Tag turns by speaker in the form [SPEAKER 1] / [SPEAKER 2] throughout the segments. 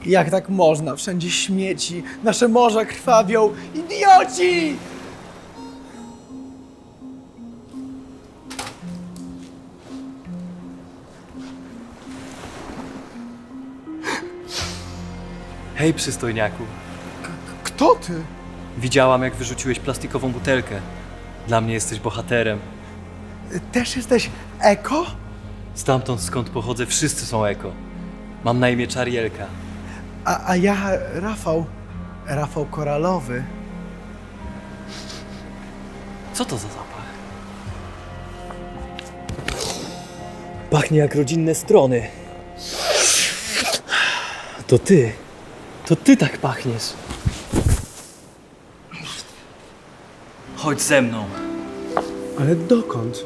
[SPEAKER 1] Jak tak można? Wszędzie śmieci, nasze morza krwawią. Idioci!
[SPEAKER 2] Hej, przystojniaku.
[SPEAKER 1] Kto ty?
[SPEAKER 2] Widziałam, jak wyrzuciłeś plastikową butelkę. Dla mnie jesteś bohaterem.
[SPEAKER 1] Też jesteś eko?
[SPEAKER 2] Stamtąd, skąd pochodzę, wszyscy są eko. Mam na imię Czarielka.
[SPEAKER 1] A ja Rafał. Rafał Koralowy.
[SPEAKER 2] Co to za zapach? Pachnie jak rodzinne strony. To ty. To ty tak pachniesz. Chodź ze mną.
[SPEAKER 1] Ale dokąd?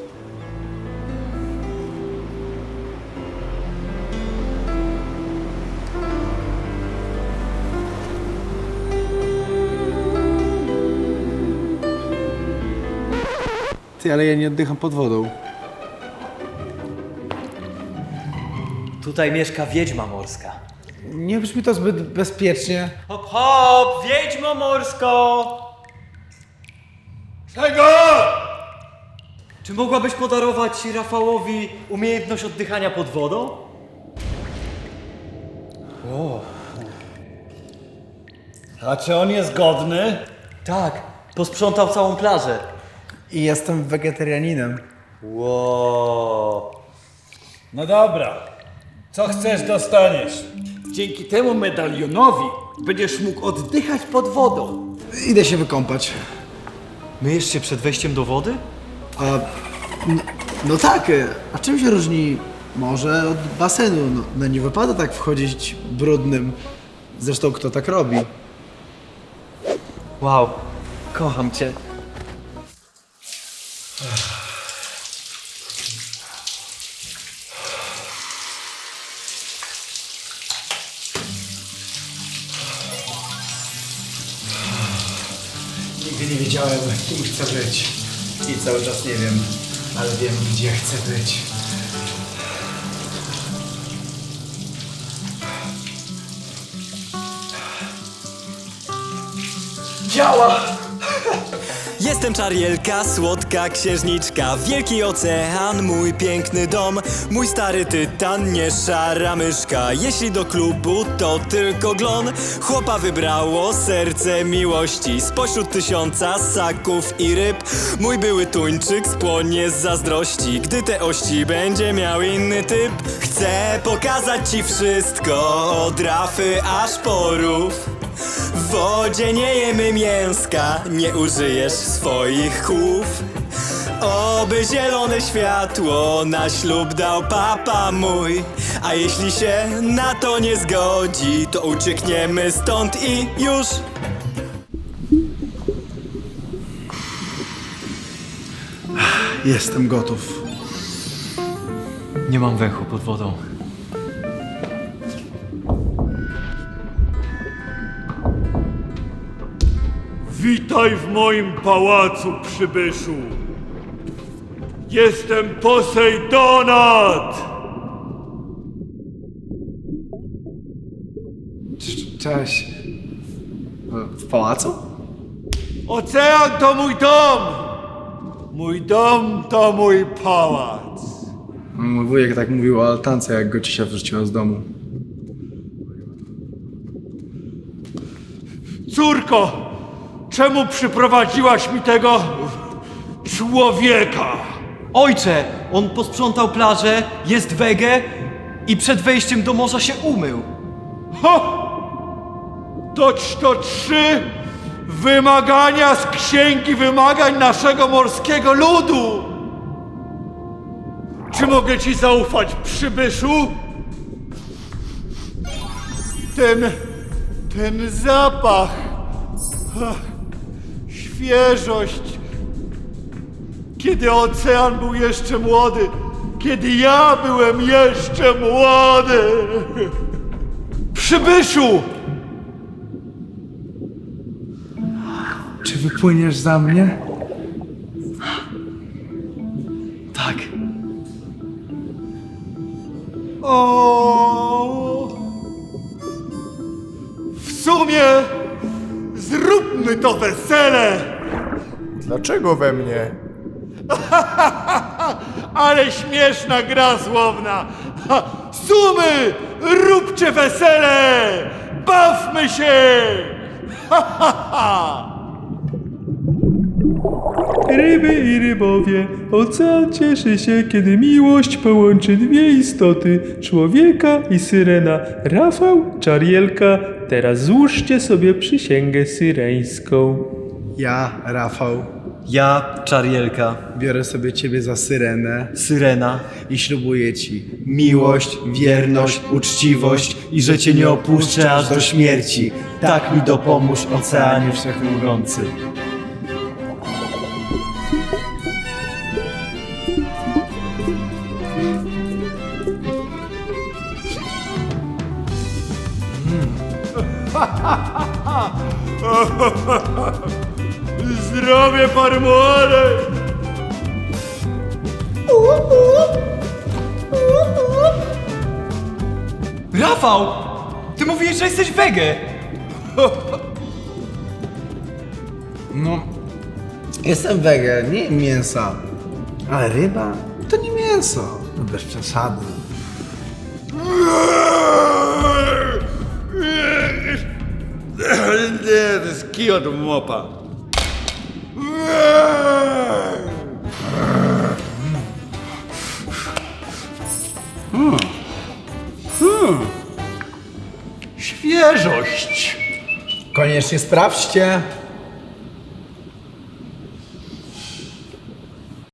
[SPEAKER 1] Ty, ale ja nie oddycham pod wodą.
[SPEAKER 2] Tutaj mieszka wiedźma morska.
[SPEAKER 1] Nie brzmi to zbyt bezpiecznie.
[SPEAKER 2] Hop, hop! Wiedźmo morsko!
[SPEAKER 3] Czego?
[SPEAKER 2] Czy mogłabyś podarować Rafałowi umiejętność oddychania pod wodą?
[SPEAKER 3] A czy on jest godny?
[SPEAKER 2] Tak, posprzątał całą plażę.
[SPEAKER 1] I jestem wegetarianinem.
[SPEAKER 2] Wow.
[SPEAKER 3] No dobra. Co chcesz, dostaniesz. Dzięki temu medalionowi będziesz mógł oddychać pod wodą.
[SPEAKER 1] Idę się wykąpać.
[SPEAKER 2] Myjesz się przed wejściem do wody?
[SPEAKER 1] No tak, a czym się różni morze od basenu? No nie wypada tak wchodzić brudnym. Zresztą kto tak robi?
[SPEAKER 2] Wow, kocham cię.
[SPEAKER 1] Nigdy nie wiedziałem, kim chcę być. I cały czas nie wiem, ale wiem, gdzie chcę być. Działa!
[SPEAKER 4] Jestem Czarielka, słodka księżniczka, wielki ocean, mój piękny dom, mój stary tytan, nie szara myszka. Jeśli do klubu, to tylko glon. Chłopa wybrało serce miłości spośród 1000 ssaków i ryb. Mój były tuńczyk spłonie z zazdrości, gdy te ości będzie miał inny typ. Chcę pokazać ci wszystko, od rafy aż po rów. W wodzie nie jemy mięska, nie użyjesz swoich chów. Oby zielone światło na ślub dał papa mój. A jeśli się na to nie zgodzi, to uciekniemy stąd i już.
[SPEAKER 1] Jestem gotów.
[SPEAKER 2] Nie mam węchu pod wodą.
[SPEAKER 5] Witaj w moim pałacu, przybyszu. Jestem Posejdonat!
[SPEAKER 1] Cześć. W pałacu?
[SPEAKER 5] Ocean to mój dom! Mój dom to mój pałac.
[SPEAKER 1] Mój wujek tak mówił o altance, jak go ciocia wrzuciła z domu.
[SPEAKER 5] Córko, czemu przyprowadziłaś mi tego człowieka?
[SPEAKER 2] Ojcze, on posprzątał plażę, jest wege i przed wejściem do morza się umył.
[SPEAKER 5] Ho! Toć to 3 wymagania z księgi wymagań naszego morskiego ludu! Czy mogę ci zaufać, przybyszu? Ten zapach, świeżość, kiedy ocean był jeszcze młody, kiedy ja byłem jeszcze młody. Przybyszu!
[SPEAKER 1] Czy wypłyniesz za mnie?
[SPEAKER 2] Tak.
[SPEAKER 5] O! sumie zróbmy to wesele!
[SPEAKER 6] Dlaczego we mnie?
[SPEAKER 5] Ale śmieszna gra słowna! Sumy, róbcie wesele! Bawmy się!
[SPEAKER 7] Ryby i rybowie, ocean cieszy się, kiedy miłość połączy dwie istoty, człowieka i syrena. Rafał, Czarielka, teraz złóżcie sobie przysięgę syreńską.
[SPEAKER 1] Ja, Rafał,
[SPEAKER 2] Ja, Czarielka,
[SPEAKER 1] biorę sobie ciebie za syrenę
[SPEAKER 2] Syrena,
[SPEAKER 1] i ślubuję ci
[SPEAKER 2] miłość, wierność, uczciwość i że cię nie opuszczę aż do śmierci. Tak mi dopomóż, oceanie wszechmogący.
[SPEAKER 5] Zdrowie parmuale!
[SPEAKER 2] Rafał! Ty mówisz, że jesteś wege!
[SPEAKER 1] No, jestem wege, nie jem mięsa. Ale ryba to nie mięso. No bez przesady.
[SPEAKER 5] Nie, to jest kij od mopa.
[SPEAKER 3] Świeżość!
[SPEAKER 1] Koniecznie sprawdźcie.